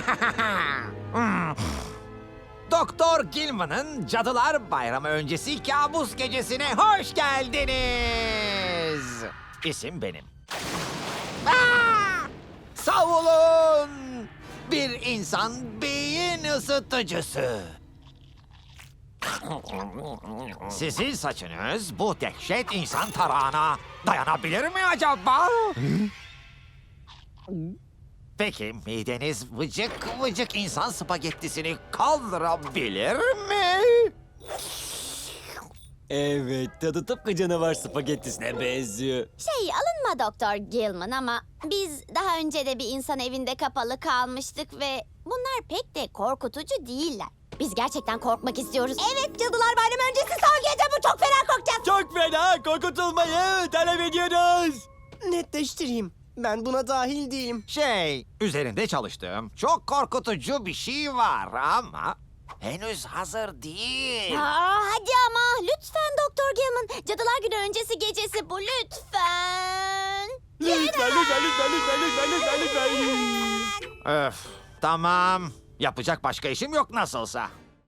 Doktor Gilman'ın Cadılar Bayramı öncesi kabus gecesine hoş geldiniz. İsim benim. Savulun! Bir insan beyin ısıtıcısı. Sizin saçınız bu dehşet insan tarağına dayanabilir mi acaba? Peki mideniz vıcık vıcık insan spagettisini kaldırabilir mi? Evet, tadı tıpkı canavar spagettisine benziyor. Alınma Doktor Gilman ama biz daha önce de bir insan evinde kapalı kalmıştık ve bunlar pek de korkutucu değiller. Biz gerçekten korkmak istiyoruz. Evet, Cadılar Bayramı öncesi son gece bu, çok fena korkacağız. Çok fena, korkutulmayı talep ediyoruz. Netleştireyim. Ben buna dahil değilim. Üzerinde çalıştığım çok korkutucu bir şey var ama henüz hazır değil. Hadi ama lütfen Doktor Gilman. Cadılar Günü öncesi gecesi bu, lütfen. Lütfen. Öf, tamam. Yapacak başka işim yok nasılsa.